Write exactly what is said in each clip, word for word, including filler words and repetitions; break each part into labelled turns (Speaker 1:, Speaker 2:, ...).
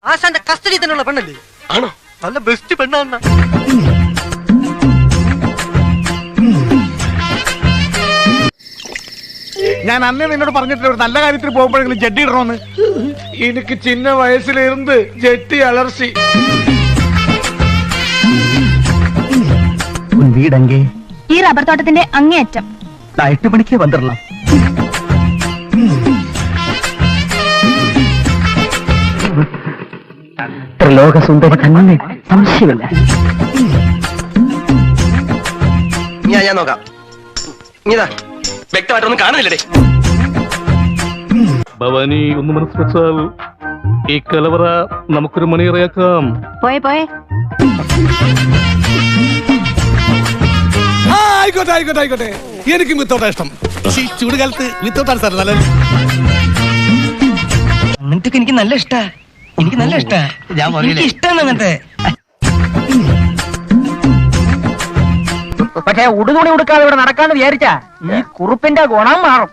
Speaker 1: ആശാന്റെ കസ്റ്റഡി തന്നെയുള്ള പെണ്ണല്ലേ?
Speaker 2: ആണോ?
Speaker 1: നല്ല ബെസ്റ്റ് പെണ്ണാന്ന.
Speaker 3: ഞാൻ അന്നേ നിന്നോട് പറഞ്ഞിട്ടില്ല ഒരു നല്ല കാര്യത്തിൽ പോകുമ്പോഴെങ്കിലും ജഡ്ഡി ഇടണമെന്ന്.
Speaker 2: എനിക്ക് ചിന്ന വയസ്സിലിരുന്ന് ജെട്ടി അലർച്ചി.
Speaker 4: വീടെങ്കി
Speaker 5: ഈ റബ്ബർ തോട്ടത്തിന്റെ അങ്ങേയറ്റം.
Speaker 4: എട്ട് മണിക്ക് വന്നിടலாம். ത്രിലോകസുന്ദരി തന്നെ, സംശയമില്ല.
Speaker 2: ഞാൻ ഞാൻ നോക്കാം. ഇതാ വ്യക്തമായിട്ടൊന്നും കാണുന്നില്ലേ?
Speaker 6: ഭവാനി ഒന്ന് മനസ്സ് വെച്ചാൽ ഈ കലവറ നമുക്കൊരു മണിയറയാക്കാം.
Speaker 5: പോയെ പോയെ.
Speaker 3: ആയിക്കോട്ടെ ആയിക്കോട്ടെ ആയിക്കോട്ടെ. എനിക്കും വിത്തോട്ടാ ഇഷ്ടം. ഈ ചൂടുകാലത്ത് വിത്തോട്ടാണ് സാർ നല്ലത്.
Speaker 4: അങ്ങനത്തെ എനിക്ക് നല്ല ഇഷ്ടാ. എനിക്ക് നല്ല ഇഷ്ടാ. ഞാൻ ഇഷ്ടമാണ് അങ്ങനത്തെ. പക്ഷെ ഉടുതുണി ഉടുക്കാതെ ഇവിടെ നടക്കാന്ന് വിചാരിച്ചാ ഈ കുറുപ്പിന്റെ ഗുണം മാറും.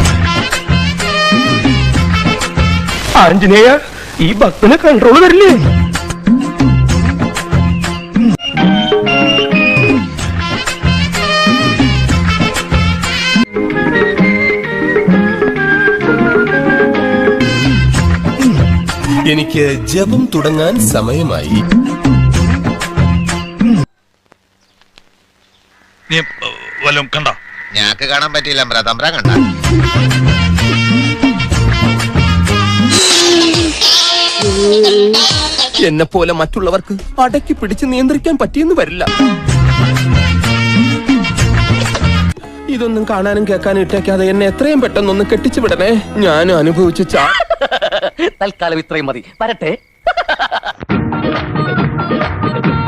Speaker 2: ആഞ്ജനേയ, ഈ ഭക്തനെ കൺട്രോൾ തരില്ലേ?
Speaker 7: എനിക്ക് ജപം തുടങ്ങാൻ സമയമായി.
Speaker 8: കണ്ടോ?
Speaker 9: ഞാക്ക് കാണാൻ പറ്റിയില്ല. തമ്പ്ര കണ്ട
Speaker 7: എന്നെ പോലെ മറ്റുള്ളവർക്ക് അടക്കി പിടിച്ച് നിയന്ത്രിക്കാൻ പറ്റിയെന്ന് വരില്ല. ഇതൊന്നും കാണാനും കേൾക്കാനും ഇട്ടേക്കാതെ എന്നെ എത്രയും പെട്ടെന്നൊന്ന് കെട്ടിച്ചു വിടണേ. ഞാൻ അനുഭവിച്ച ചാ
Speaker 4: തൽക്കാലം ഇത്രയും മതി. വരട്ടെ.